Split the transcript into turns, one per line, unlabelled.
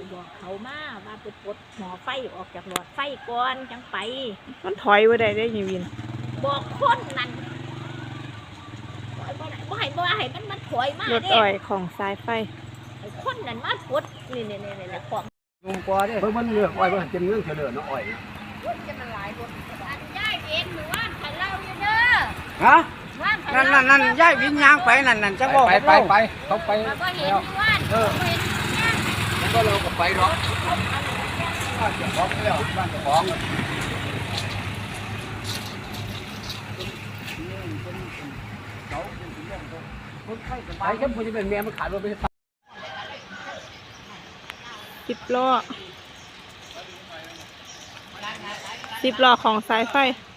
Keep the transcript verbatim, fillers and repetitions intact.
บอกเขามาว่าไปปลดหมอไฟออกจากหลอดไฟก่อนจังไป
มันถอยไว้ได้ได้ยินวิน
บอกคนนั่นบ่ให้บ่ให้บ่ให้มันมันถอยมาร
ถ
เด้
อ้อยของสายไฟ
ไอ้คนนั่นมาปลดนี่นี่นี่นี่ของ
ลุงกว่าเด้เพิ่นมันเลือกอ้อยมันเป็นเรื่องเฉลือเนาะอ้อย
จะมันหลายรถอันย้ายเองหรือว่าขันเล่าอยู่เด้อ
ฮะนั่นนั่นนั่นย้ายวิญญาณไปนั่นนั่นจะบอก
ไปไปไปเขาไป
มาก็เห็นอยู่ว่าเออเห็นเนี่ย
แล้วก็เราก็ไปหรอกบ้านเจ้าของแล้วบ้านเจ้าของไปแค่พอจะเป็นเมียมันขายรถไป
สิบล้อสิบล้อของสายไฟ